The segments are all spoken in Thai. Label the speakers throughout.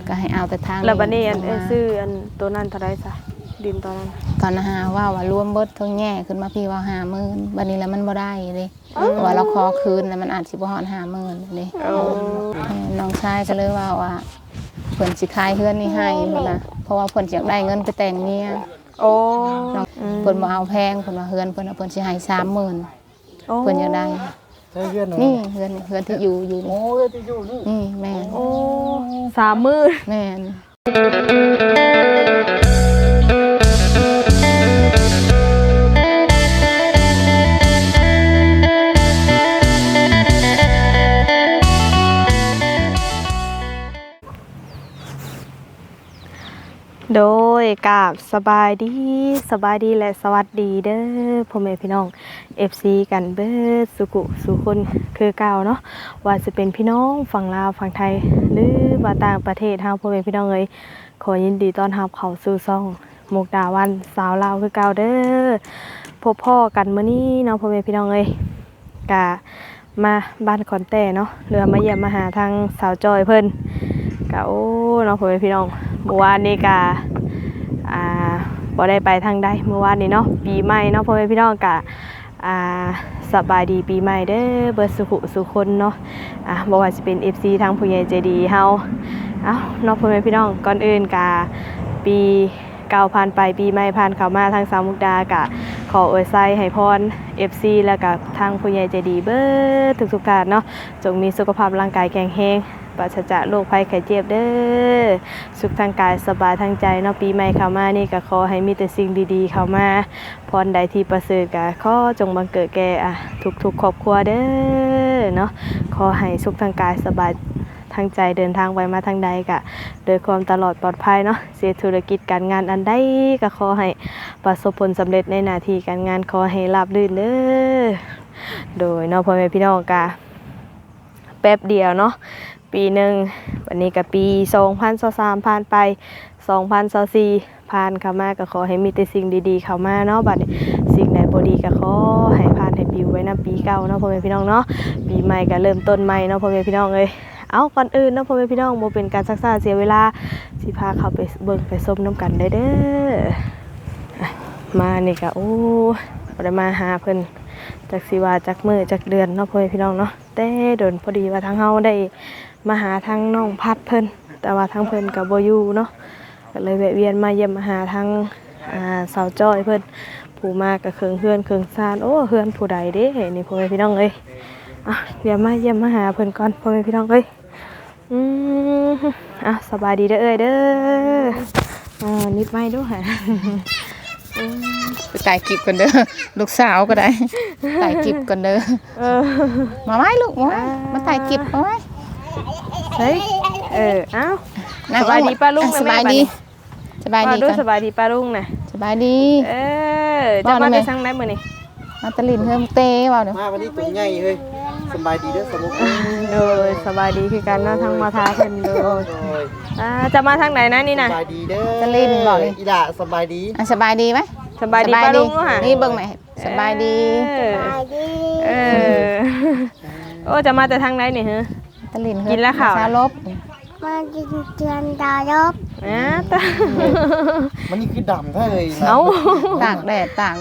Speaker 1: ก็ให้เอาแต่ทาง
Speaker 2: แล้วบัดนี้ซื้อตัวนั้นเท่าไรซะดินตอนนั้น
Speaker 1: ตอนหาว่ารวมเบิดทั้งแง่ขึ้นมาพี่ว่า50,000บัดนี้แล้วมันบ่ได้เลยว่าเราขอคืนแล้วมันอาจสิบ่ฮอด50,000นี่น้องชายก็เลยว่าเพิ่นสิขายเฮือนนี่ให้พุ่นน่ะเพราะว่าเพิ่นอยากได้เงินไปแต่งเมีย
Speaker 2: โอ้
Speaker 1: เพิ่นบ่เอาแพงเพิ่นว่าเฮือนเพิ่นสิให้30,000เพิ่นอยากได้นี่เฮือนที่อยู่
Speaker 3: โอ้เฮือนที่อยู่
Speaker 1: นี่แม่
Speaker 2: โอ้30,000
Speaker 1: แม่น
Speaker 2: โดยกราบสบายดีและสวัสดีเด้อพ่อแม่พี่น้อง FC กันเบิดสุกุสุคนคือเก่าเนาะว่าจะเป็นพี่น้องฝั่งลาวฝั่งไทยหรือว่าต่างประเทศเฮาพ่อแม่พี่น้องเอ้ยขอยินดีต้อนรับเข้าสู่ช่องมุกดาวันสาวลาวคือเก่าเด้อพบพ่อกันมื้อนี้เนาะพ่อแม่พี่น้องเอ้ยกะมาบ้านขอนแต้เนาะเรือมาเยี่ยมมาหาทางสาวจอยเพิ่นกะโอ้เนาะพ่อแม่พี่น้องเมื่อวานนี้กะบ่ได้ไปทางใดเมื่อวานนี้เนาะปีใหม่เนาะพ่อแม่พี่น้องกะสบายดีปีใหม่เด้อเบิดสุขสุคนเนาะบ่ว่าสิเป็น FC ทางผู้ใหญ่ใจดีเฮาเอ้าเนาะพ่อแม่พี่น้องก่อนอื่นกะปีเก่าผ่านไปปีใหม่ผ่านเข้ามาทางสาวมุกดากะขออวยไส้ให้พร FC แล้วก็ทางผู้ใหญ่ใจดีเบิดทุกๆท่านเนาะจงมีสุขภาพร่างกายแข็งแรงปราศจากโรคภัยไข้เจ็บเด้อสุขทางกายสบายทางใจเนาะปีใหม่เข้ามานี่ก็ขอให้มีแต่สิ่งดีๆเข้ามาพรใดที่ประเสริฐก็ขอจงบังเกิดแก่ทุกๆครอบครัวเด้อเนาะขอให้สุขทางกายสบายทางใจเดินทางไปมาทางใดก็โดยความตลอดปลอดภัยเนาะเสียธุรกิจการงานอันใดก็ขอให้ประสบผลสำเร็จในหน้าที่การงานขอให้ราบรื่นเด้อโดยเนาะพ่อแม่พี่น้องก็แป๊บเดียวเนาะปีหนึ่งวันนี้ก็ปี2023ผ่านไป2024ผ่านเข้ามาก็ขอให้มีแต่สิ่งดีๆเข้ามาเนาะบัดนี้สิ่งใดบ่ดีก็ขอให้ผ่านให้ปิวไว้นำปีเก่าเนาะพ่อแม่พี่น้องเนาะปีใหม่ก็เริ่มต้นใหม่เนาะพ่อแม่พี่น้องเอ้ยเอาก่อนอื่นเนาะพ่อแม่พี่น้องบ่เป็นการซักซ่าเสียเวลาสิพาเข้าไปเบิ่งไปชมนํกันได้เด้อมานี่ก็โอ้บ่ได้มาหาเพิ่นจักสิว่าจักมื้อจักเดือนเนาะพ่อแม่พี่น้องเนาะแต่โดนพอดีว่าทางเฮาได้มาหาทางน้องพัดเพิ่นแต่ว่าทางเพิ่นก็บ่อยู่เนาะก็เลยแวะเวียนมาเยี่ยมมาหาทางสาวจ้อยเพิ่นผู้มาก็เคิงเฮือนเคิงซ่านโอ้เฮือนผู้ใดเด้นี่พ่อแม่พี่น้องเอ้ยเดี๋ยวมาเยี่ยมมาหาเพิ่นก่อนพ่อแม่พี่น้องเอ้ยสบายดีเด้อเอ้ยเด้อนิดไม้ด้วย
Speaker 1: ไปถ่ายคลิปกันเด้อลูกสาวก็ได้ถ่ายคลิปกันเด้อมาไว้ลูกมาถ่ายคลิปมาไว้
Speaker 2: เฮ้ยเอ้าสบายดีป้าลุงนะแม่
Speaker 1: สบายดี
Speaker 2: สบายดีป้าลุงนะ
Speaker 1: สบายดี
Speaker 2: จะมาไปสั่งได้มื้อนี้
Speaker 1: มาตะลินเฮิมเต้ว่าเด้อ
Speaker 3: มาวันนี้ตัวใหญ่เฮ้ยสบายดีเด้อสมุก
Speaker 2: โดยสบายดีคือกันเนาะทางมาทาเพิ่นโดยจะมาทางไหนนะนี่น่ะ
Speaker 3: สบายดีเด้อ
Speaker 1: ตะลินบอก
Speaker 3: อีด่าสบายดี
Speaker 1: สบายดีมั้ย
Speaker 2: สบายดีป้าลุงค่ะ
Speaker 1: นี่เบิ่งแม่สบายดี
Speaker 2: โอ้จะมาแต่ทางไหนนี่ฮะ
Speaker 1: ตะลิน
Speaker 2: กินแล้วข้าว
Speaker 1: ชาลบ
Speaker 4: มากินเจือนดารบ
Speaker 3: มันนี่คือดำแท้เลย
Speaker 2: เอ้า
Speaker 1: ตากแดดตาก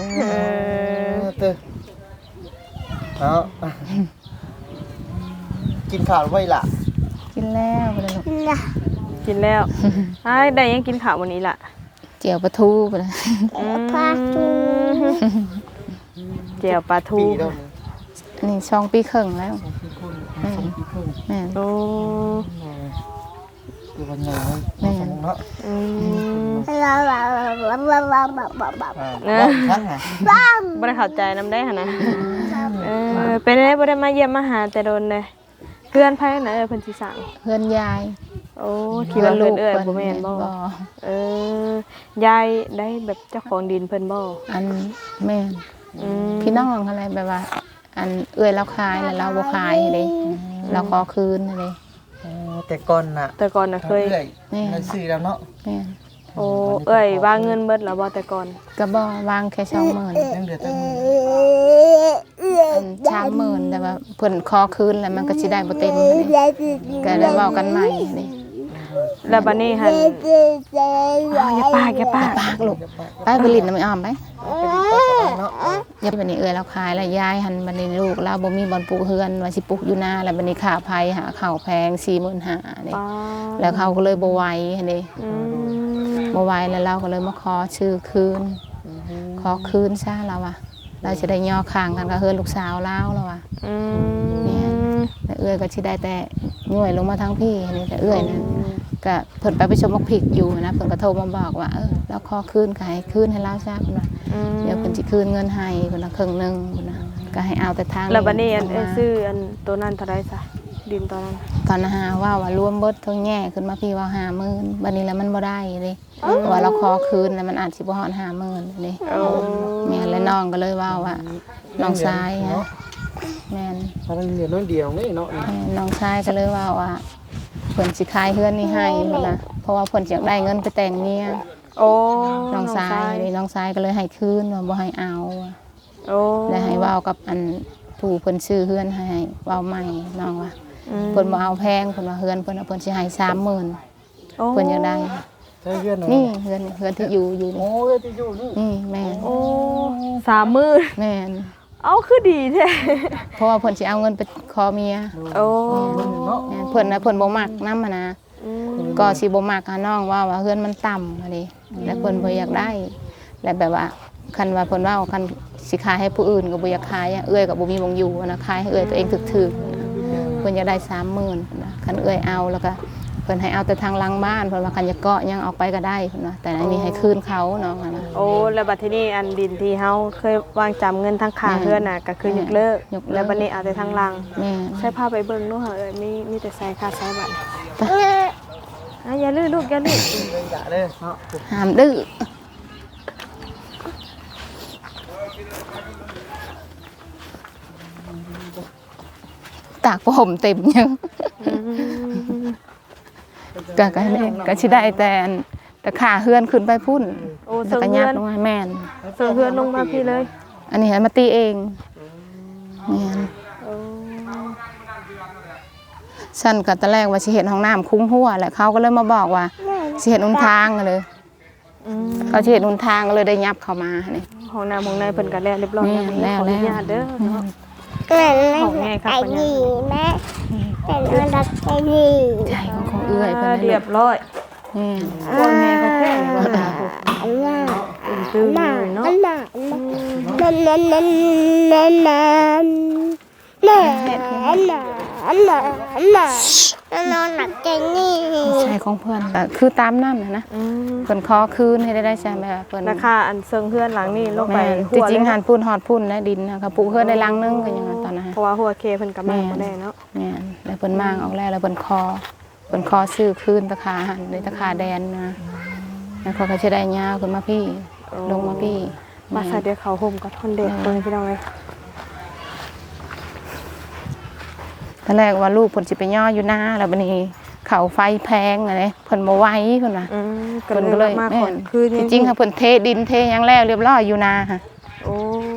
Speaker 3: กินข้าวไว้ล่ะ
Speaker 1: กินแล้วไปเลย
Speaker 2: กินแล้วได้ยังกินข้าววันนี้ล่ะ
Speaker 1: เจียวปลาทูไปเลย
Speaker 2: เจียวปลาทู
Speaker 1: นี่2 ปีครึ่งแล้วแม่
Speaker 2: โอ้
Speaker 3: คือวันไหนแม่เนาะ
Speaker 2: บ่ได้เข้าใจนำได้หั่นนะเป็นได้บ่ได้มาเยี่ยมมาหาแต่โดนเลยเพื่อนไผน่ะเพิ่นสิสั่ง
Speaker 1: เพื่อนยาย
Speaker 2: โอ้คิดว่าเพิ่นบ่แม่นบ่ยายได้แบบเจ้าของดินเพิ่นบ่
Speaker 1: อันแม่พี่น้องอะไรแบบว่าอันเราขายแล้วเราบ่ขายเด้เราขอคืนเด้
Speaker 3: แต่ก่อน
Speaker 2: น่ะเคย
Speaker 3: ซื้อแล้วเนาะ
Speaker 2: โอ้วางเงินเบิดแล้วบ่แต่ก่อน
Speaker 1: ก็บ่วางแค่20,000
Speaker 3: ยังเหลือแต่
Speaker 1: 30,000แต่ว่าเพิ่นขอคืนแล้วมันก็สิได้บ่เต็มก็ได้เว้ากันใหม่นี่
Speaker 2: แล้วบัดนี้หันอย่าปาก
Speaker 1: ปากลูกไปผลิตน้ำอ้อมไป
Speaker 3: เนาะ
Speaker 1: อย่าบัดนี้เราขายแล้วยายหันบัดนี้ลูกเราบ่มีบ่อนปลูกเฮือนว่าสิปลูกอยู่นาแล้วบัดนี้ค่าไผหาข้าวแพง 45,000นี่
Speaker 2: ป้า
Speaker 1: แล้วเขาก็เลยบ่ไหวหั่นเด้
Speaker 2: อืม
Speaker 1: บ่ไหวแล้วเราก็เลยมาขอชื่อคืนขอคืนซะเราอ่ะเราจะได้ย่อข้างกันกับเฮือนลูกสาวเราแล้วอ่ะ
Speaker 2: อื
Speaker 1: เนี่ย
Speaker 2: ม
Speaker 1: แต่เอื้อยก็สิได้แต่ย่วยลงมาทั้งพี่นี่แต่เอื้อยนะก็เพิ่นไปชมมักพริกอยู่นะเพิ่นก็โทรมาบอกว่าเราขอคืนก็ให้คืนให้เราซะเพิ่นว่าเดี๋ยวเพิ่นสิคืนเงินให้เพิ่นว่าครึ่งนึงเพิ่นว่าก็ให้เอาแต่ทาง
Speaker 2: แล้วบัดนี้อัน
Speaker 1: ลงมา
Speaker 2: ซื้ออันตัวนั้นเท่าไรซะดินตอนนั้น
Speaker 1: ตอนหาว่ารวมเบิดทั้งแง่ขึ้นมาพี่ว่า50,000บัดนี้แล้วมันบ่ได้เด้ว่าเราขอคืนแล้วมันอาจสิบ่ฮอด50,000นี่
Speaker 2: โอ้
Speaker 1: แม่และน้องก็เลยว่าน้องชายฮะแม่น
Speaker 3: ถ้ามันเหลือน้อยเดียวนี่เนาะ
Speaker 1: แม่น้องชายก็เลยว่าเพิ่นสิขายเฮือนนี่ให้เพิ่นนะเพราะว่าเพิ่นอยากได้เงินไปแต่งเมีย
Speaker 2: โอ้
Speaker 1: น้องชายนี่น้องชายก็เลยให้คืนว่าบ่ให้เอา
Speaker 2: โอ้
Speaker 1: และให้เว้ากับอันผู้เพิ่นซื้อเฮือนให้เว้าใหม่น้องว่าเพิ่นบ่เอาแพงเพิ่นว่าเฮือนเพิ่นเพิ่นสิให้ 30,000
Speaker 2: โอ้
Speaker 1: เพิ่นอยากได้
Speaker 3: ใช่เพื่อน
Speaker 1: นี่เฮือนที่อยู่
Speaker 3: โอ้ยที่อยู่นี่
Speaker 1: นี่แม่น
Speaker 2: โอ้30,000
Speaker 1: แม่น
Speaker 2: เอาคือดีแท้
Speaker 1: เพราะว่าเพิ่นสิเอาเงินไปขอเมีย
Speaker 2: โอ้
Speaker 3: เนาะ
Speaker 1: แม่นเพิ่นนะเพิ่นบ่มักนำนะ
Speaker 2: อืม
Speaker 1: ก็สิบ่มักหาน้องว่าเฮือนมันต่ำอะดิแล้วเพิ่นบ่อยากได้ และแบบว่าคันว่าเพิ่นว่าคันสิขายให้ผู้อื่นก็บ่อยากขายอะเอื้อยก็บ่มีวงอยู่นะขายให้เอื้อยตัวเองถึกๆนะเพิ่นอยากได้ 30,000นะคันเอื้อยเอาแล้วก็เพิ่นให้เอาแต่ทางหลังบ้านเพิ่นว่าคันจะเกาะยังออกไปก็ได้เพิ่นว่าแต่อันนี้ให้คืนเขาน้องอะนะ
Speaker 2: โอ้แล้วบัดทีนี้อันดินที่เฮาเคยวางจำเงินทั้งค่า
Speaker 1: แม่
Speaker 2: เฮือนน่ะก็คือยกเลิก
Speaker 1: ยกเลิก
Speaker 2: แล้วบัดนี้เอาแต่ทางลัง
Speaker 1: แม่
Speaker 2: ใช้ผ้าไปเบิ่งเนาะเอ้ยมีแต่ใส่ค่าใช้บัตร
Speaker 1: ไป
Speaker 2: อย่าลื้อลูกอย่าลื้อ
Speaker 3: เลยอย่าเลยเนาะ
Speaker 1: ห้ามดื้อตากผมเต็มยังก็ให้แม่ก็สิได้แต่ขาเฮือนขึ้นไปพุ่น
Speaker 2: โอ้
Speaker 1: แล้
Speaker 2: เสิ
Speaker 1: ว
Speaker 2: ร์
Speaker 1: ก็
Speaker 2: ฟ
Speaker 1: ยั
Speaker 2: เฮื
Speaker 1: ด
Speaker 2: อน
Speaker 1: ลงมาแม่น
Speaker 2: เสิร์ฟเฮือนลงมาพี่เลย
Speaker 1: อันนี้ให้มาตีเองแม่น
Speaker 2: โอ้
Speaker 1: ฉันก็ตอนแรกว่าสิเห็นห้องน้ำคุ้งหัวแหละเขาก็เลยมาบอกว่าสิเห็นหนทางเลย
Speaker 2: อืม
Speaker 1: เขาสิเห็นหนทางก็เลยได้ยับเข้ามานี่
Speaker 2: ห้องน้ำห้องในเพิ่นก็แล้วเรียบร้อย
Speaker 1: แม่
Speaker 2: ขออ
Speaker 1: แล้ว
Speaker 2: นุญาตเด้อเนาะ
Speaker 4: แม่
Speaker 2: ของไงครับ
Speaker 4: ไอ้
Speaker 2: ปัญญา
Speaker 4: นี่แม่เป็นอันดับไอ้นี่
Speaker 1: ใจของเอื้อยเพิ่น
Speaker 2: เรียบร้อย
Speaker 1: แม่น
Speaker 2: บ่แม่ก็แท้บ่หาพวก
Speaker 4: อันน่ะ
Speaker 2: ตื้อ
Speaker 4: น่ะ
Speaker 2: เนาะ
Speaker 4: อันน่ะนั่นนั่นนั่นนั่นนั่นน่ะอันน่ะอันน่ะอันน่ะอันนอนหนักใจนี่
Speaker 1: ใจของเพิ่นก็คือตามนั้นนะ
Speaker 2: อืม
Speaker 1: เพิ่นขอคืนให้ได้ใช่ไหมเพิ่น
Speaker 2: ราคาอันเซิงเฮือนหลังนี้ลงไป
Speaker 1: แม่น
Speaker 2: หัว
Speaker 1: จริงๆ
Speaker 2: เลย
Speaker 1: หันพุ่นฮอดพุ่นนะดินนะคะปลูกเฮือนได้ลังนึงก็ยังว่าตอนนั้น
Speaker 2: เพราะว่าหัวเคเพิ่นก็มาบ่ได้เนาะ
Speaker 1: แม่นแล้วเพิ่นมางออกแล้วเพิ่นคอซื้อคืนตะขาหันในตะขาแดนนะแล้วเขาก็สิได้ยาวขึ้นมาพี่ลงมาพี่
Speaker 2: มาใส่เดี๋ยวเขาห่มก็ทนเด็กเพิ่นพี่น้องเอ้ย
Speaker 1: ตอนแรกว่าลูกเพิ่นสิไปย่ออยู่นาแล้วบัดนี้เขาไฟแพงอะไรเพิ่นบ่ไหวเพิ่นว่า
Speaker 2: ก็
Speaker 1: เพิ่น
Speaker 2: เล
Speaker 1: ก็
Speaker 2: ย
Speaker 1: เลย
Speaker 2: มา
Speaker 1: แม่
Speaker 2: ก่อน
Speaker 1: น
Speaker 2: คือ
Speaker 1: จริงๆค่ะเพิ่นเทดินเทหยังแล้วเรียบร้อยอยู่นาค่ะ
Speaker 2: โอ้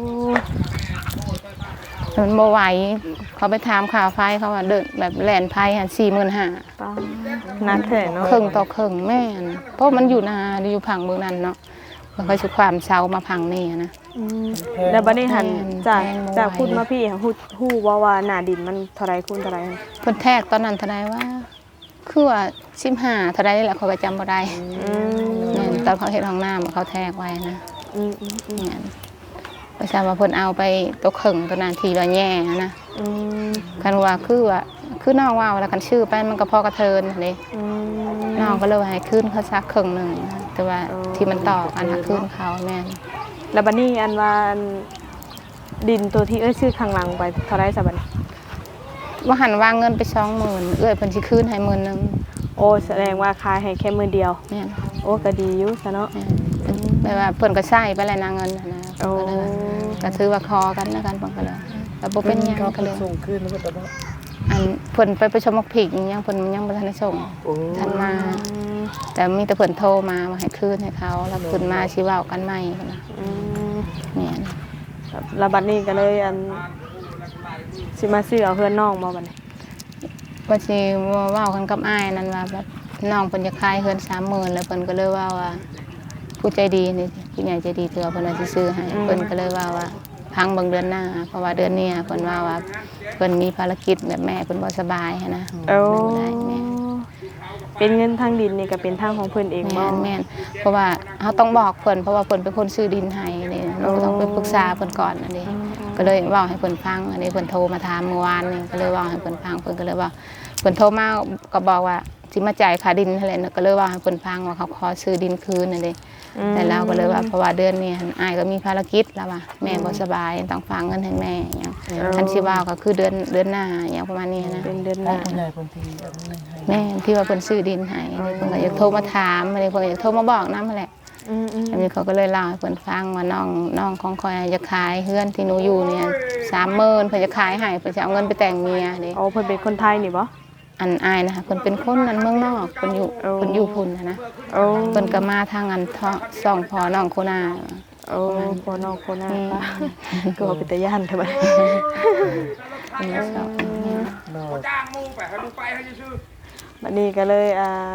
Speaker 1: มันบ่ไหวเขาไปถามค่าไฟเขาว่าเดินแบบแล่นไผหั่น45,000
Speaker 2: ป้านักแท้เนาะ
Speaker 1: ครึ่งต่อครึ่งแม่นเพราะมันอยู่นาอยู่ผังเมืองนั้นเนาะมันก็สิความเซามาผังนี่นะ
Speaker 2: แล้วบัดนี้หันจาก
Speaker 1: แพงบ่ไหว
Speaker 2: จากพูดมาพี่ฮู้ว่าหน้าดินมันเท่าไรคูณเท่าไร
Speaker 1: เพิ่นแทกตอนนั้นเท่าใดว่าคือว่า15เท่าใดนี่แหละเขาก็จำบ่ได้แม่นตอนเขาเฮ็ดห้องน้ำเขาแทกไว้นะแม่นประชาว่าเพิ่นเอาไปตกครึ่งตอนนั้นทีละแย่นะคันว่าคือน้องว่าแล้วกันชื่อไปมันก็พอกระเทินเด้น้องก็เลยให้คืนเขาสักครึ่งหนึงนะแต่ว่าที่มันต่อกันหักคืนเขาแม่น
Speaker 2: แล้วบัดนี้อันว่าดินตัวที่ชื่อข้างหลังไปเท่าไรซะบัดนี้
Speaker 1: ว่าหันวางเงินไป20,000เอื้อยเพิ่นสิคืนให้10,000นึง
Speaker 2: โอ้แสดงว่าขายให้แค่มื้อเดียว
Speaker 1: แม่น
Speaker 2: โอ้ก็ดีอยู่ซะเนาะ
Speaker 1: แม่นแบบว่าเพิ่นก็ใช้ไปแล้วนะเงินน่ะนะ
Speaker 2: โอ้
Speaker 1: ก็ถือว่าคอกันแล้วกันเพิ่นก็เลยแต่บ่เป็นหยังก็เลย
Speaker 3: ส่งคืนแล้วก็ตอนนั้น
Speaker 1: อันเพิ่นไปประชุมมักผิกยังเพิ่นยังบ่ทันได้ส่ง
Speaker 3: โอ้
Speaker 1: ทันมา แต่มีแต่เพิ่นโทรมาว่าให้คืนให้เขาแล้วขึ้นมาสิเว้ากันใหม่พุ่นน่ะแม่น
Speaker 2: แล้วบัดนี้ก็เลยอันสิมาซื้อเอาเพื่อนน้องบ่บัดนี้
Speaker 1: ว่าสิเว้ากันกับอ้ายนั่นว่าแบบน้องเพิ่นจะขายเฮือน30,000แล้วเพิ่นก็เลยว่าผู้ใจดีนี่ผู้ใหญ่ใจดีเถื่อเพิ่นว่าสิซื้อให้เพิ่นก็เลยว่าพังเบิ่งเดือนหน้าเพราะว่าเดือนนี้เพิ่นว่าเพิ่นมีภารกิจแบบแม่เพิ่นบ่สบายหันนะ
Speaker 2: โอ้
Speaker 1: บ่ได้แม่
Speaker 2: เป็นเงินทางดินนี่ก็เป็นทางของเพิ่นเองบ่
Speaker 1: แม่นเพราะว่าเฮาต้องบอกเพิ่นเพราะว่าเพิ่นเป็นคนซื้อดินให้นี่เราก็ต้องไปปรึกษาเพิ่นก่อนอันนี้ก็เลยเว้าให้เพิ่นฟังอันนี้เพิ่นโทรมาถามเมื่อวานนี่ก็เลยเว้าให้เพิ่นฟังเพิ่นก็เลยว่าเพิ่นโทรมาก็บอกว่าสิมาจ่ายค่าดินนั่นแหละก็เลยเว้าให้เพิ่นฟังว่าเขาขอซื้อดินคืนนั่นเด้แต่เราก็เลยว่าเพราะว่าเดือนนี้อ้ายก็มีภารกิจแล้วว่าแม่บ่สบายต้องฝากเงินให้แม่หยังคันสิว่าก็คือเดือนหน้าหยังประมาณนี้นะ
Speaker 2: เป็นเดือนห
Speaker 3: พ่อ
Speaker 2: น้า
Speaker 3: ผู้ใหญ่คนที่เอาเงินให้
Speaker 1: แม่ที่ว่าเพิ่นซื้อดินให้เพิ่นก็อยากโทรมาถามอะไรเพิ่นก็อยากโทรมาบอกนำนั่นแหละ
Speaker 2: อืม
Speaker 1: อันนี้เขาก็เลยเล่าให้เพิ่นฟังว่าน้องของคอยจะขายเฮือนที่หนูอยู่เนี่ย30,000เพิ่นจะขายให้เพิ่นจะเอาเงินไปแต่งเมียเด้
Speaker 2: โอ้เพิ่นเป็นคนไทยนี่บ่
Speaker 1: อันอายนะคะเพิ่นเป็นคนนั้นเมืองนอกเพิ่นอยู่พุ่นนะ
Speaker 2: โอ้
Speaker 1: เพิ่นก็มาทางอันซ่องพอน้องโคนา
Speaker 2: โอ้พ่อน้องคนนั้นปะก็เป็นตาย่านเท่าไหร่
Speaker 1: เพิ่นก็ชอบ
Speaker 3: โดย
Speaker 2: บัดนี้ก็เลย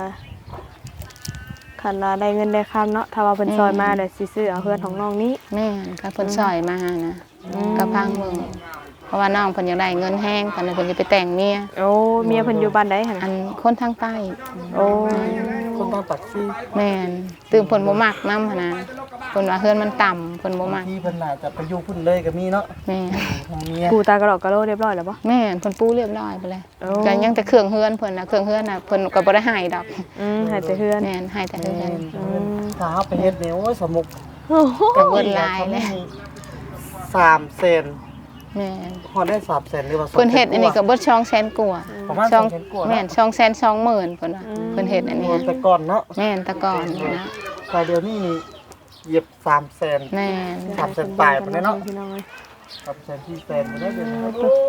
Speaker 2: คันว่าได้เงินได้คำเนาะถ้าว่าเพิ่นซอยมาเดี๋ยวสิซื้อเอาเพื่อนของน้องนี้
Speaker 1: แม่นก็เพิ่นซอยมานะก็พังเมืองเพราะว่าน้องเพิ่นอยากได้เงินแห้งตอนนั้นเพิ่นจะไปแต่งเมีย
Speaker 2: โอ้เมียเพิ่นอยู่บ้านใดหั่น
Speaker 1: อันคนทางใต้
Speaker 2: โอ้
Speaker 3: คนต้องตักซี่
Speaker 1: แม่นตื่นเพิ่นบ่มักนำหั่นนะเพิ่นว่าเฮือนมันต่ำเพิ่นบ่มัก
Speaker 3: ที่เพิ่นน่าจะไปอยู่พุ่นเลยก็มีเนาะ
Speaker 1: แม่น
Speaker 3: ทางเมีย
Speaker 2: ปูตากระดอกกระโลเรียบร้อยแล้วบ่
Speaker 1: แม่นเพิ่นปูเรียบร้อยไปเลย
Speaker 2: โอ้
Speaker 1: ก็ยังแต่เครื่องเฮือนเพิ่นน่ะเครื่องเฮือนน่ะเพิ่นก็บ่ได้ให้ดอก
Speaker 2: ให้แต่เฮือน
Speaker 1: แม่นให้แต่เฮือน
Speaker 3: ถ้าเอาไปเฮ็ดเนี่ยโอ้ยสมุก
Speaker 2: โอ้โห
Speaker 1: ก็เบิดลายเลย
Speaker 3: 3 เซน
Speaker 1: แม่น
Speaker 3: พอได้3 เซนหรือว่า
Speaker 1: เพิ่นเฮ็ดอันนี้ก็เบิด200,000กว่า
Speaker 3: ประมาณ
Speaker 1: ช่อง
Speaker 3: 200,000กว่า
Speaker 1: แม่น220,000เพิ่นว่าเพิ่นเฮ็ดอันนี้
Speaker 3: แต่ก่อนเนาะ
Speaker 1: แม่นแต่ก่อนนะ
Speaker 3: แต่เดี๋ยวนี้นี่เหยียบ3 เซน
Speaker 1: แม่น
Speaker 3: 3 เซนปลายไปเนาะ
Speaker 2: พี่น้องเอ้ย
Speaker 3: 3 เซน4 เซนไปได้เดี๋ยวนี้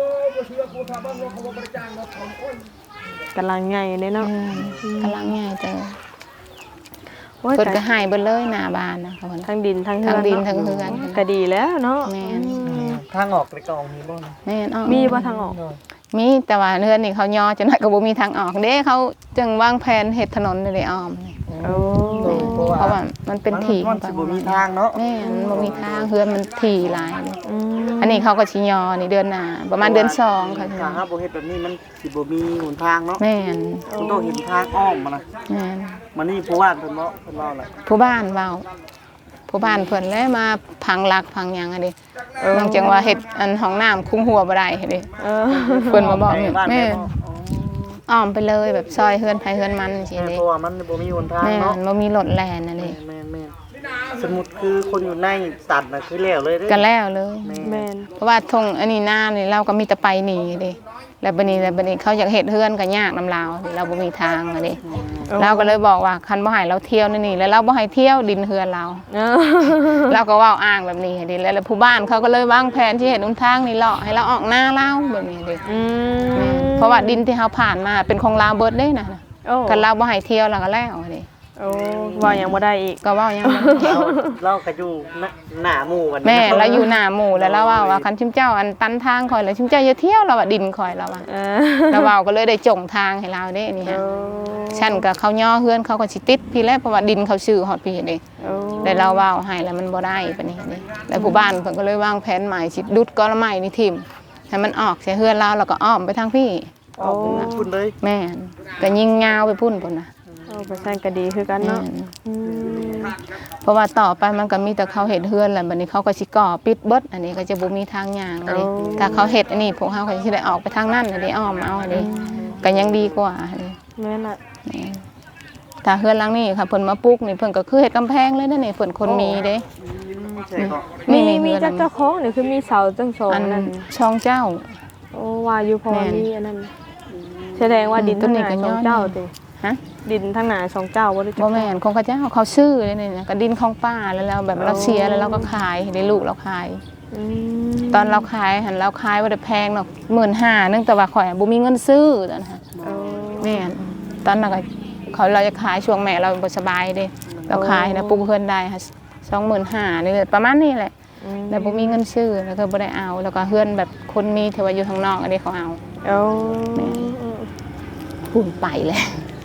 Speaker 2: กำลังใหญ่เลยเนาะ
Speaker 1: กำลังใหญ่เจอ
Speaker 2: โอ้ย
Speaker 1: เพิ่นก็ให้เบิดเลยหน้าบ้านนะเพิ่น
Speaker 2: ทั้งดินทั้งเฮือน
Speaker 1: ทั้งดิน
Speaker 2: เนาะ
Speaker 1: ทั้งเฮือน
Speaker 2: ก็ดีแล้วเนาะ
Speaker 1: แม่น
Speaker 3: ทางออกเลยก็ออกมีบ่นะ
Speaker 1: แม่นอ้อ
Speaker 2: มีบ่ทางออก
Speaker 1: มีแต่ว่าเฮือนนี่เขาย่อจนก็บ่มีทางออกเด้เขาจึงวางแผนเฮ็ดถนนนี่อ้อมนี่
Speaker 2: โอ้
Speaker 1: เพราะว่ามันเป็นที่
Speaker 3: มันสิบ่มีทางเนาะ
Speaker 1: แม่นบ่มีทางเฮือนมันที่หลายเลย
Speaker 2: อืม
Speaker 1: อันนี้เขาก็สิยอนี่เดือนหน้าประมาณเดือน2ค่ะ
Speaker 3: ถ้าหาบ่เฮ็ดแบบนี้มันสิบ่มีหนทางเนาะ
Speaker 1: แม่น
Speaker 3: มันต้องเห็นทางอ้อมมานะ
Speaker 1: แม่น
Speaker 3: มันนี่ผู้ว่านเพิ่นเนาะเพิ่นเล่าแหละ
Speaker 1: ผู้บ้านเว้าผู้บ้านเพิ่นแล้วมาพังรักพังหยังอะดิบางจังว่าเฮ็ดอันห้องน้ำคุ้มหัวบ่ได้เด้
Speaker 2: เออ
Speaker 1: เพิ่นมาบอกนี่
Speaker 3: บ้าน
Speaker 1: แม่
Speaker 3: แม่บ่
Speaker 1: อ้อมไปเลยแบบซอยเฮือนไผเฮือนมันสิ
Speaker 3: แม่
Speaker 1: เด้
Speaker 3: เพราะว่ามันบ่มีหนทาง
Speaker 1: แม่
Speaker 3: เนาะ
Speaker 1: นบ่มีรถแล่นน่ะเด้
Speaker 3: แม่สมมุติคือคนอยู่ในตัดน่ะคือแล้วเลยเด้
Speaker 1: ก็แล้วเลย
Speaker 2: แม่น
Speaker 1: เพราะว่าทงอันนี้หน้านี่เราก็มีแต่ไปหนีเด้แล้วบัดนี้เขาอยากเฮ็ดเฮือนก็ยากนำเราเราบ่มีทางอะเด้เราก็เลยบอกว่าคันบ่ให้เราเที่ยวนี่แล้วเราบ่ให้เที่ยวดินเฮือนเรา
Speaker 2: เออ
Speaker 1: เราก็เว้าอ้างแบบนี้เด้แล้วผู้บ้านเขาก็เลยวางแผนที่เฮ็ดหนทางนี่เลาะให้เราออกหน้าเราแบบนี้เด้
Speaker 2: อืม
Speaker 1: เพราะว่าดินที่เขาผ่านมาเป็นของเราเบิดเด้นะ
Speaker 2: โอ้
Speaker 1: กันเราบ่ให้เที่ยวเราก็แล้วเด้
Speaker 2: โอ้ว่ายังบ่ได้อีก
Speaker 1: ก็เว้ายังบ่
Speaker 3: เราก็อยู่หน้าหมู่กัน
Speaker 1: แม่เราอยู่หน้าหมู่แล้วเราว่าคันชิมเจ้าอันตันทางคอยแล้วชิมเจ้าอย่าเที่ยวเราว่าดินคอยเราว่า
Speaker 2: เออ
Speaker 1: เราเว้าก็เลยได้จงทางให้เราเด้นี่ฮะ
Speaker 2: โอ้
Speaker 1: ฉันก็เขาย่อเฮือนเขาก็สิติดพี่แล้วเพราะว่าดินเขาชื่อฮอดพี่เด้
Speaker 2: โอ้
Speaker 1: แต่เราเว้าให้แล้วมันบ่ได้ปานนี้เด้แล้วผู้บ้านเพิ่นก็เลยวางแผนใหม่สิดุดกอละไม้นี่ทิ่มให้มันออกใส่เฮือนเราแล้วก็อ้อมไปทางพี่
Speaker 3: อ๋อพุ่นเลย
Speaker 1: แม่นก็ยิงยาวไปพุ่นพุ่นน่ะ
Speaker 2: โอ้ประสานก็ดีคือกัน
Speaker 1: แม่
Speaker 2: เนาะ
Speaker 1: น
Speaker 2: อืม
Speaker 1: เพราะว่าต่อไปมันก็มีแต่เขาเฮ็ดเฮือนแล้วบัดนี้เขาก็สิก่อปิดเบิดอันนี้ก็จะบ่มีทางย่างเลยถ้าเขาเฮ็ดอันนี้พวกเฮาก็สิได้ออกไปทางนั้นอันนี้อ้อมเอาอันนี้ก็ยังดีกว่าอันนี้
Speaker 2: แม่นล่ะ
Speaker 1: แม่นถ้าเฮือนหลังนี้ค่ะเพิ่นมาปลูกนี่เพิ่นก็คือเฮ็ดกำแพงเลยนั่นนี่เพิ่นคนมีเด้
Speaker 3: ใช่ก็
Speaker 2: มี
Speaker 1: นี่
Speaker 2: มี
Speaker 1: เฮือนหลัง
Speaker 2: เจ้าของนี่คือมีเสาจังสอง
Speaker 1: อัน
Speaker 2: นั่น
Speaker 1: ช่องเจ้า
Speaker 2: โอ้ว่าอยู่พอ
Speaker 1: แม่น
Speaker 2: มีอันนั้นแสดงว่าดิน
Speaker 1: ต้
Speaker 2: ทั้
Speaker 1: น
Speaker 2: ง
Speaker 1: นี้
Speaker 2: หนา
Speaker 1: ก็
Speaker 2: ส
Speaker 1: ย้
Speaker 2: อ
Speaker 1: อง น
Speaker 2: เจ้าติ
Speaker 1: ฮะ
Speaker 2: ดินทั้งหนาสองเจ้าบ่ได้
Speaker 1: บ่แม่นของเขาเจ้าเขาซื้อเลยนี่นะก็ดินของป้าแล้วเราแบบเราเสียแล้วเราก็ขายให้ได้ลูกเราขาย
Speaker 2: อืม
Speaker 1: ตอนเราขายหันเราขายบ่ได้แพงหรอก15,000นึงแต่ว่าข่อยบ่มีเงินซื้อตอนนั้น
Speaker 2: โอ้
Speaker 1: แม่นตอนนั้นก็เราจะขายช่วงแม่เราบ่สบายเด้เราขายนะปลูกเพิ่นได้ค่ะ25,000นี่ประมาณนี้แหละ
Speaker 2: อืม
Speaker 1: แล้วบ่มีเงินซื้อแล้วก็บ่ได้เอาแล้วก็เฮือนแบบคนมีที่ว่าอยู่ทางนอกอันนี้เขาเอา
Speaker 2: โอ้
Speaker 1: พูนไปเลย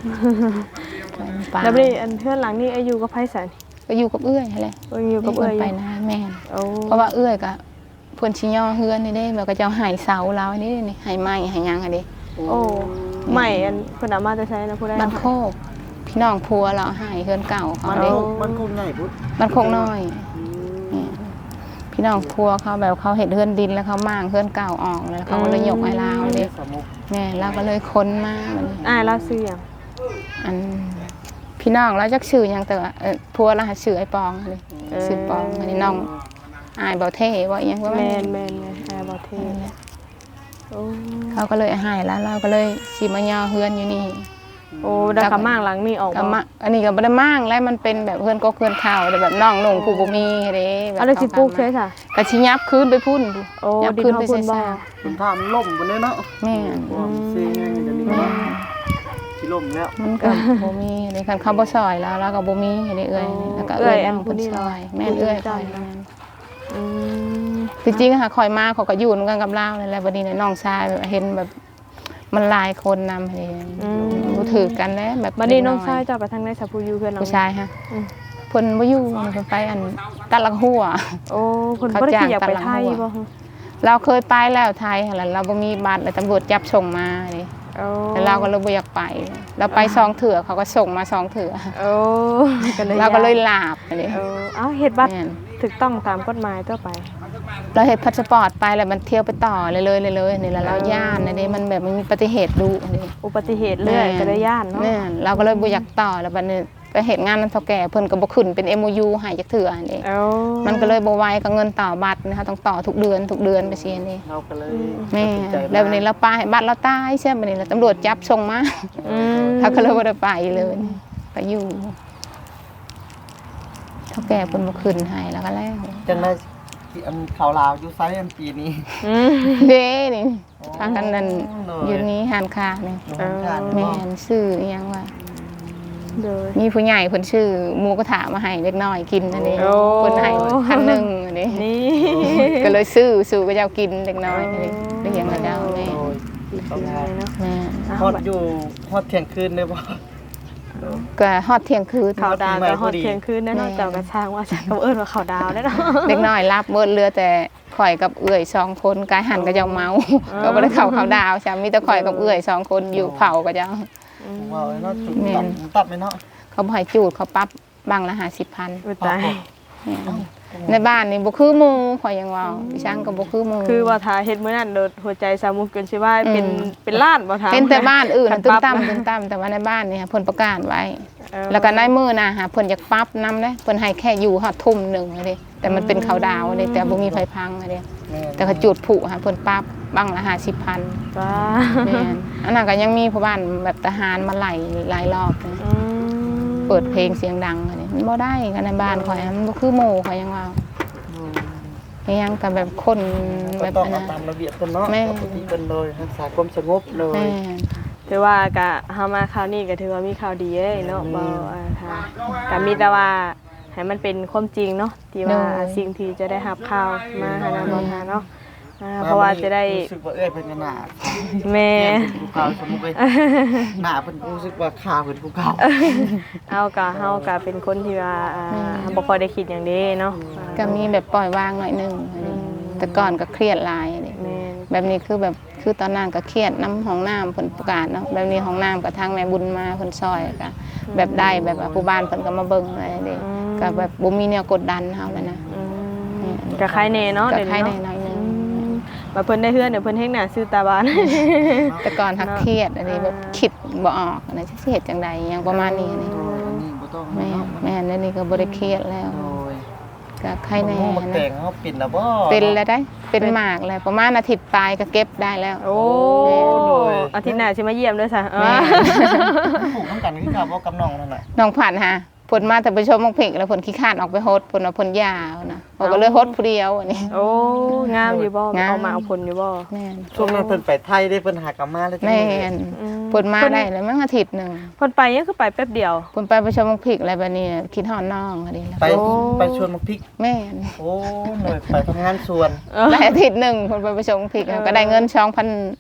Speaker 1: ป่า
Speaker 2: แล้วนี่อันเพื่อนหลังนี่อายุกับไผสัน
Speaker 1: ก็อยู่กับเอื้อยแหละ
Speaker 2: อยู่กับเอื้อย
Speaker 1: ไปนะแม่น
Speaker 2: โอ้
Speaker 1: เพราะว่าเอื้อยก็เพิ่นสิย่อเฮือนนี่เด้แบบก็จะเอาไห้เสาเราอันนี้นี่ไห้ไม้ไห้หยังอันนี้
Speaker 2: โอ้ใหม่อันเพิ่นเอามาจะใช้นะผู้ใด
Speaker 1: บ้านโคกพี่น้องพัวเราไห้เฮือนเก่าเขา
Speaker 3: มัน
Speaker 1: เด้
Speaker 3: มันคงใหญ่พุทธ
Speaker 1: บ้านโคกน้อยนี่พี่น้องพัวเขาแบบเขาเฮ็ดเฮือนดินแล้วเขามางเฮือนเก่าออกแล้วเขาก็เลยยกให้เราเด้
Speaker 3: สมุก
Speaker 1: แม่เราก็เลยค้นมาบัดนี้
Speaker 2: อ้ายเราซื้อหยัง
Speaker 1: อันพี่น้องเราจักชื่อหยังแต่ว่าพัวเราหาชื่อไอ้ปองเลยชื่อปองอันนี้น้องอายเบาเท่ว่าอีหยังว่า
Speaker 2: แม่
Speaker 1: แม่
Speaker 2: นอ้ายบ่เทโอ้
Speaker 1: เขาก็เลยให้แล้วเราก็เลยสิมาย่อเฮือนอยู่นี่
Speaker 2: โอ้ดักกะม่างหลังนี่ออก
Speaker 1: ก็มาอันนี้ก็บ่ได้มั่งแล้วมันเป็นแบบเฮือนก็เฮือนข้าวแต่แบบน้องหนุ่งผู้บ่มีเด้แบบ
Speaker 2: เอาได้สิปลูกใช่ค่ะ
Speaker 1: ก็สิยับคืนไปพุ่น
Speaker 2: โอ้
Speaker 1: ยับ
Speaker 2: ดิน
Speaker 1: คืน
Speaker 2: เฮา
Speaker 1: ไป
Speaker 2: พุ่นบ่
Speaker 1: ซ่า
Speaker 3: มันท่ามันล่มบนนี้เนาะ
Speaker 1: แม่น
Speaker 3: ว่ามันเสียไงจะนี่
Speaker 1: แม่น
Speaker 3: สิล่มแล้ว
Speaker 1: มันก็บ่มีเด้คันเขาบ่ซอยแล้วเราก็บ่มีเด้เอ้ยแล้วก็เอ้ยน้องเพิ่นซอยแม่นเอ้ยคอยแม่น
Speaker 2: อืม
Speaker 1: จริงๆค่ะคอยมาเขาก็อยู่นำกันกับเราเลยแหละวันนี้เนี่ยน้องชายแบบเห็นแบบมันหลายคนนำเองรู้ถือกันแล้วแบบ
Speaker 2: บัดนี้น้องชายเจ้าไปทางไหนสะผู้อยู่เพื่อนหลัง
Speaker 1: ผู้ชายฮะเพิ่นบ่อยู่เพิ่นไปอันตัดลักหัว
Speaker 2: โอ้เพิ่นบ่ได้ขี้อยากไปไทยบ่
Speaker 1: เราเคยไปแล้วไทยหั่นล่ะเราบ่มีบัตรเลยตำรวจจับส่งมานี่
Speaker 2: โอ้
Speaker 1: แล้วเราก็เลยบ่อยากไปเราไป2เถื่อเขาก็ส่งมา2เถื่อ
Speaker 2: โอ้ก็เลย
Speaker 1: เราก็เลยลาบอันนี้
Speaker 2: เอ้าเฮ็ดบัตร
Speaker 1: แม่น
Speaker 2: ถูกต้องตามกฎหมายต่อไป
Speaker 1: เราเฮ็ดพาสปอร์ตไปแล้วมันเที่ยวไปต่อเลยนี่แล้วเราย่านอันนี้มันแบบมันมีอุบัติเหตุดุอันนี้
Speaker 2: อุบัติเหตุเรื่อยก็ได้ย่านเนาะ
Speaker 1: แม่นเราก็เลยบ่อยากต่อแล้วบัดนี้ไปเฮ็ดงานนำเฒ่าแก่เพิ่นก็บ่ขึ้นเป็น MOU ให้จักเทื่ออันนี้
Speaker 2: เอ้า
Speaker 1: มันก็เลยบ่ไหวกับเงินต่อบัตรนะคะต้องต่อทุกเดือนไปซี่นี่
Speaker 3: เราก็เลย
Speaker 1: แม่แล้ววันนี้เราไปบัตรเราตายใช่บัดนี้แล้วตำรวจจับส่งมา
Speaker 2: อืม
Speaker 1: เขาก็เลยบ่ได้ไปเลยไปอยู่เฒ่าแก่เพิ่นบ่ขึ้นให้แล้วก็แล้ว
Speaker 3: จังได้ที่อันข่าวลาวอยู่ไซอันปีนี้
Speaker 2: อืม
Speaker 1: เด้นี่ทางกันนั่นอยู่นี้หานค้านี่ แม่นชื่ออิหยังว่า
Speaker 2: โดย
Speaker 1: มีผู้ใหญ่เพิ่นชื่อหมูกระทะมาให้เล็กน้อยกินอันนี้
Speaker 2: โอ้
Speaker 1: เพิ่นให้พันหนึงอันนี้
Speaker 2: นี่
Speaker 1: ก็เลยซื้อสู่ก็เจ้ากินเล็กน้อยอันนี้เลี้ยงแล้วเจ้าแม่
Speaker 3: โอ้ยต้องงาน
Speaker 2: เนาะ
Speaker 1: แม่
Speaker 3: ฮอดอยู่ฮอดเที่ยงคืนได้บ่
Speaker 1: ก็ฮอดเที่ยงคืน
Speaker 2: ข่าวดาวก็ฮอด
Speaker 3: พอดี
Speaker 2: เที่ยงคืนแน่เนอน
Speaker 1: แม่
Speaker 2: เจ้ากระช่างว่าฉันก็เอิ้นว่าข่าวดาวแน่เนาะ
Speaker 1: เล็กน้อยรับเบิดเรือแต่ข่อยกับเอื้อย2คนกายหันก็เจ้าเมาก็บ่ได้เข้าเขาดาวใช่มีแต่ข่อยกับเอื้อย2คนอยู่เผาก็เจ้า
Speaker 3: ว่าเนาะจุด
Speaker 1: แม่น
Speaker 3: ตัดไหมเนาะ
Speaker 1: เขาบ่ให้จูดเขาปรับบังละ50,000
Speaker 2: อุ้ยตาย
Speaker 1: ในบ้านนี่บ่คือหมู่ข่อยยังเว้าดิฉันก็บ่คือหมู่
Speaker 2: คือว่าถ้าเฮ็ดมื้อนั้นโดดหัวใจสามุกเกินสิว่าเป็นล้านบ่ถาม
Speaker 1: เป็นแต่บ้านอื่น
Speaker 2: คั
Speaker 1: ตึ้ม
Speaker 2: ปรับ
Speaker 1: ตั้มตึ้มตั้มแต่ว่าในบ้านนี่ค่ะเพิ่นประกาศไว้
Speaker 2: เออ
Speaker 1: แล้วก็ในมือนะฮะเพิ่นอยากปรั๊บนำเด้เพิ่นให้แค่อยู่ฮอดทุ่มหนึงเลยแต่มันเป็นเขาดาวเลยแต่บ่มีไฟพังเลย
Speaker 3: แม่น
Speaker 1: แต่เขาจุดผุฮะเพิ่นปรั๊บบังละ50,000
Speaker 2: จ้า
Speaker 1: แม่นอันนั้นก็ยังมีผู้บ้านแบบทหารมาไล่หลายรอบนะ
Speaker 2: อืม
Speaker 1: เปิดเพลงเสียงดังอันนี้มันบ่ได้กันในบ้านข่อยมันบ่คือหมู่ข่อยยังว่ายังแต่แบบคน
Speaker 3: ก็
Speaker 1: แบบ
Speaker 3: ต้อง
Speaker 1: อัน
Speaker 3: เอา
Speaker 1: นั้น
Speaker 3: ตามระเบียบกันเนาะ
Speaker 1: แม่
Speaker 3: ปกติเป็นเลยรักษาความสงบเลย
Speaker 1: แม่น
Speaker 2: ถือว่าก็เฮามาคราวนี้ก็ถือว่ามีข่าวดีเอ้ยเนาะบ่ค่ะก็มีแต่ว่าให้มันเป็นความจริงเนาะที่ว่าสิ่งที่จะได้รับข่าวมาหานะบ่หาเนาะเพราะว่าจะได้
Speaker 3: รู้สึกว่าเอ้ยเป็นหน้า
Speaker 2: แม่
Speaker 3: เป็นภูเขาสมมุติเลยหน้าเป็นรู้สึกว่าขาเป็นภูเขา
Speaker 2: เอากะเฮากะเป็นคนที่ว่าบ่ค่อยได้คิดอย่างนี้เนาะ
Speaker 1: ก็มีแบบปล่อยวางหน่อยหนึงอันนี้แต่ก่อนก็เครียดหลายอันนี้
Speaker 2: แม่น
Speaker 1: แบบนี้คือตอนนั้นก็เครียดน้ำห้องน้ำเพิ่นประกาศเนาะแบบนี้ห้องน้ำกับทางแม่บุญมาเพิ่นซอยก็แบบได้แบบว่าผู้บ้านเพิ่นก็มาเบิ่งอะไรเด้ก็แบบบ่มีแนวกดดันเฮาแล้วนะ
Speaker 2: ก็คล้ายแน่เนาะ
Speaker 1: ก็
Speaker 2: เดี๋ยว
Speaker 1: ใคร
Speaker 2: นี้
Speaker 1: ได้
Speaker 2: เนาะ
Speaker 1: หน่อยหนึง
Speaker 2: มาเพิ่นได้เฮือนเดี๋ยวเพิ่นเฮ็ดหน้าซื้อตาบาน
Speaker 1: แต่ก่อนทักเครียดอันนี้แบบคิดบ่ออกอันนี้สิเฮ็ดจังได๋หยังประมาณนี้นี่
Speaker 3: อันนี้บ่ต้อง
Speaker 1: แม่อันนี้ก็บ่ได้เครียดแล้ว
Speaker 3: โอ้ย
Speaker 1: ก็ใครแน่
Speaker 3: มันแต่
Speaker 1: นะ
Speaker 3: งเขาปิดแล้วบ่
Speaker 1: เป็นแล้วได้เป็นหมากแล้วประมาณอาทิตย์ปลายก็เก็บได้แล้ว
Speaker 2: โอ้อาทิตย์หน้าสิมาเยี่ยมด้วยซะ
Speaker 1: แม่
Speaker 3: ปลูกน้ำกันคือกับว่ากับน้องนั่นแหละ
Speaker 1: น้องผ่านฮะผลมาแต่ไปชมมังเพกแล้วผลขี้ข้านออกไปโฮดผลเอาผลยาวนะเขาก็เลยโฮดผู้เดียวอันนี้
Speaker 2: โอ้งามอยู่บ่
Speaker 1: งาม
Speaker 2: เอามาเอาผลอยู่บ่
Speaker 1: แม่น
Speaker 3: ช่วงนั้นเพิ่นไปไทยได้เพิ่นหากลับมาแล้วจัง
Speaker 1: แม่
Speaker 3: เลย
Speaker 1: นผลมาได้เลยมั้งอาทิตย์หนึ่ง
Speaker 2: เพิ่นไปยังคือไปแป๊บเดียว
Speaker 1: ผลไปชมมังเพกอะไรแบบนี้คิดฮอดน้องอันนี้แล้ว
Speaker 3: ไป
Speaker 2: โอ้
Speaker 3: ไปชวนมาพริก
Speaker 1: แม่น
Speaker 3: โอ้หน่อยไปทำงานสวน
Speaker 1: ได้อาทิตย์หนึ่งผลไปชมมังเพกก็ได้เงิน2,000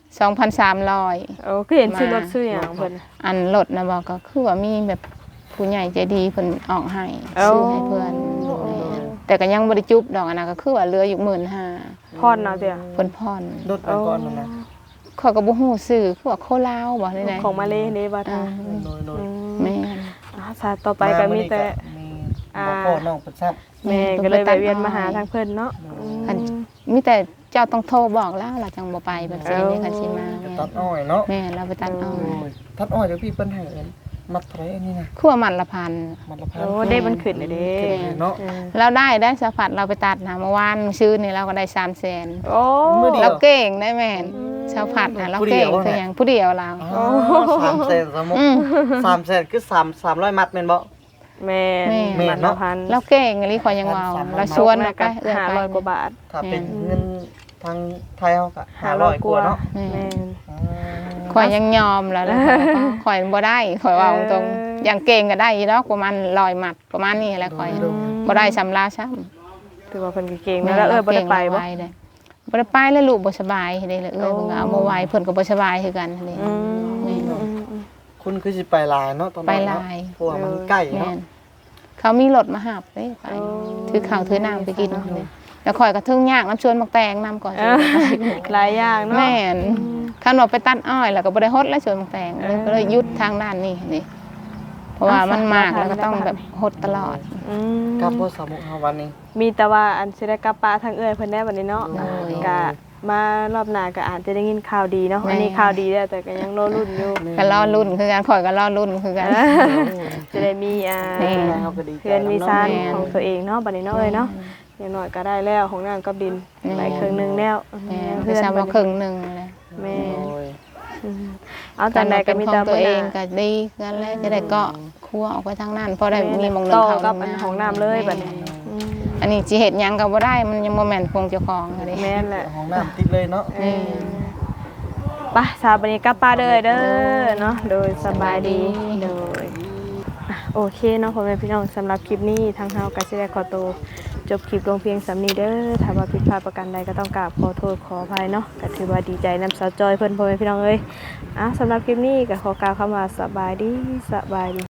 Speaker 1: 2,300
Speaker 2: โอ้คือเห็นชื่อรถชื่อหยังเพิ่น
Speaker 1: อันรถนะบอกก็คือว่ามีแบบผู้ใหญ่ใจดีเพิ่นออกให้
Speaker 2: เอ้า
Speaker 1: ซื้อให้เพื่อนแต่ก็ยังบ่ได้จุบดอกอันนั้นก็คือว่าเหลืออยู่ 15,000
Speaker 2: พรเอาเด้อ
Speaker 1: เพิ่นผ่อน
Speaker 3: รถไปก่อนนั่นนะ
Speaker 1: ข้อยก็บ่ฮู้ชื่อคือว่าโคลาวบ่ได้ไหน
Speaker 2: ของมาเลเด้บ่ทา
Speaker 3: โดย
Speaker 1: แม่น
Speaker 2: สาต่อไปก็มีแต่
Speaker 3: มีบ่พ่อน้องประชับ
Speaker 2: แม่ก็เลยแวะเวียนมาหาทางเพิ่นเนาะ
Speaker 1: อันมีแต่เจ้าต้องโทรบอกแล้วเราจังบ่ไปแบบนี้นี่คันสิมา
Speaker 3: จะตัดอ้อยเนาะ
Speaker 1: แม่เราไปตัดอ้อย
Speaker 3: ตัดอ้อยเดี๋ยวพี่เปิ้นให้เอิ้นมัดเท่าไหร่อันนี้นะ
Speaker 1: คั่วมันละพัน
Speaker 3: มันละพัน
Speaker 2: โอ้ได้มันขึ้นเลยเด้
Speaker 3: เนาะ
Speaker 1: เราได้สะพัดเราไปตัดนะเมื่อวานซื้อนี่เราก็ได้300,000
Speaker 2: โอ้
Speaker 3: มื้อเดียว
Speaker 1: เราเก่งได้แม่นสะพัดนะเราเก่ง
Speaker 3: ผู้เดียว
Speaker 1: คือหยังผู้เดียวเรา
Speaker 3: อ๋อ300,000สมมุติ300,000คือ300มัดแม่นบ่
Speaker 2: แม่
Speaker 3: แม่
Speaker 2: มัน
Speaker 3: เนาะ
Speaker 2: ละพัน
Speaker 1: เราเก่งอันนี้ขอยยังเว้าเราชวนเราไปเอื้อไป
Speaker 2: 500กว่าบาท
Speaker 3: ถ้าเป็นเงินทางไทยเฮาก็500กว่าเนาะ
Speaker 2: แม่น
Speaker 1: ข่อยยังยอมแล้วข่อยบ่ได้ข่อยว่าตรงๆอย่างเก่งก็ได้อีดอกประมาณ100หมัดประมาณนี้แหละข่อยบ่ได้สำลาซ้ำ
Speaker 2: ถือว่าเพิ่นก็เก่งนะแล้วบ่ได้ไปบ่
Speaker 1: บ่ได้ไปแล้วลูกบ่สบายเด้เลยเพิ่นก็เอาบ่ไหวเพิ่นก็บ่สบายคือกันนี่
Speaker 3: คุณคือสิไปลายเนาะตอนนั้นเนาะ
Speaker 1: ไปลาย
Speaker 3: เพราะว่ามันใกล้
Speaker 1: แม่
Speaker 3: เนาะ
Speaker 1: นเขามีรถมาหับเด้ไปถือข้าวถือน้ำไปกินนี่แล้วข่อยก็ถึงยากน้ำชวนมักแตงน้ำก่อนสิ
Speaker 2: หลายอย่างเนาะ
Speaker 1: แม่นคันว่าไปตัดอ้อยแล้วก็บ่ได้ฮดแล้วชวนมักแตงเลยก็เลยหยุดทางด้านนี้นี่เพราะว่ามันมากแล้วก็ต้องแบบฮดตลอด
Speaker 3: กลับบ่สามมุกเฮาวันนี้
Speaker 2: มีแต่ว่าอันสิได้กลับป้าทางเอื้อยเพิ่นได้บัดนี้เนาะ
Speaker 1: โอ้ย
Speaker 2: ก็มารอบหน้าก็อาจจะได้ยินข่าวดีเนาะ
Speaker 1: แม่
Speaker 2: อันนี้ข่าวดีแล้วแต่ก็ยังรอรุ่นอยู่
Speaker 1: ก็รอรุ่นคือกันข่อยก็รอรุ่นคือกัน
Speaker 2: จะได้มี
Speaker 1: แม่
Speaker 3: เฮาก็ดีใจ
Speaker 2: เพื่อนมีซาน
Speaker 1: แม่น
Speaker 2: ของตัวเองเนาะบัดนี้เนาะเอ้ยเนาะอย่างน้อยก็ได้แล้วของน้ำกับดิน
Speaker 1: แม่น
Speaker 2: ได้ครึ่งหนึงแล้ว
Speaker 1: แม่น
Speaker 2: เพื่
Speaker 1: คือ
Speaker 2: อน
Speaker 1: ซ้ำว่าครึ่งหนึงเลย
Speaker 2: แม่น
Speaker 3: โอ้ย
Speaker 2: อืมเอาแต่ใดก็มี
Speaker 1: ข
Speaker 2: แต่
Speaker 1: องตัวเอง
Speaker 2: บ่น่า
Speaker 1: ก็ดีกันแล้วจะได้เกาะครัวออกไปทางนั้นพอได้มีหมองหนึ
Speaker 2: ต่
Speaker 1: ง
Speaker 2: อ
Speaker 1: เขา
Speaker 2: กับอันของน้ำเลยบัดนี้อืม
Speaker 1: อันนี้สิเฮ็ดหยังก็บ่ได้มันยังบ่แม่นคงเจ้าของอะเด้
Speaker 2: แม่นแหละ
Speaker 3: ห้องน้ำติดเลยเนาะ
Speaker 1: นี่
Speaker 2: ไปสาวบัดนี้กลับป้าเด้อเด้อเนาะโดยสบายดีโดยอ่ะโอเคเนาะพ่อแม่พี่น้องสำหรับคลิปนี้ทางเฮาก็สิได้ขอตัวจบคลิปลงเพียงสำนี้เด้อถ้าว่าผิดพลาดประการใดก็ต้องกราบขอโทษขออภัยเนาะก็ถือว่าดีใจนำสาวจอยเพิ่นพ่อแม่พี่น้องเอ้ยอ่ะสำหรับคลิปนี้ก็ขอกล่าวคำว่าสบายดี